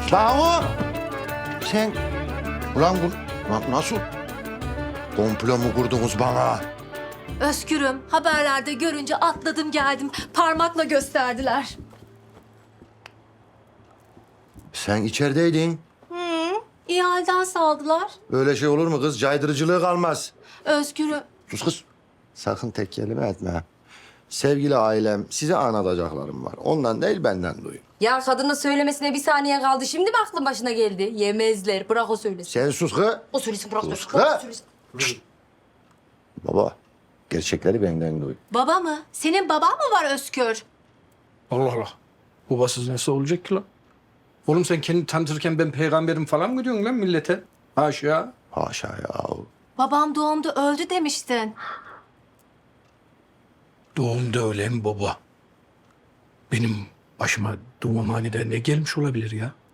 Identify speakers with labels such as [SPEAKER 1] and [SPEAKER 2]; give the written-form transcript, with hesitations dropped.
[SPEAKER 1] Banu! Sen... Ulan bu... Nasıl? Komplo mu kurdunuz bana?
[SPEAKER 2] Özgür'üm, haberlerde görünce atladım geldim. Parmakla gösterdiler.
[SPEAKER 1] Sen içerideydin.
[SPEAKER 2] İyi halden saldılar.
[SPEAKER 1] Öyle şey olur mu kız? Caydırıcılığı kalmaz.
[SPEAKER 2] Özgür'üm,
[SPEAKER 1] Sus kız. Sakın tek kelime etme. Sevgili ailem, size anlatacaklarım var. Ondan değil, benden duyun.
[SPEAKER 3] Ya kadının söylemesine bir saniye kaldı. Şimdi mi aklın başına geldi? Yemezler. Bırak o söylesin.
[SPEAKER 1] Sen sus kız.
[SPEAKER 3] O söylesin, bırak.
[SPEAKER 1] Sus
[SPEAKER 3] Bırak o
[SPEAKER 1] kız.
[SPEAKER 3] söylesin.
[SPEAKER 1] Baba, gerçekleri benden duy.
[SPEAKER 2] baba mı? Senin baban mı var Özgür?
[SPEAKER 4] Allah Allah. Babasız nasıl olacak ki lan? Oğlum sen kendini tanıtırken ben peygamberim falan mı diyorsun lan millete? Haşa.
[SPEAKER 1] Haşa ya.
[SPEAKER 2] Babam doğumda öldü demiştin.
[SPEAKER 4] Doğumda ölen baba. Benim başıma doğumhanede ne gelmiş olabilir ya?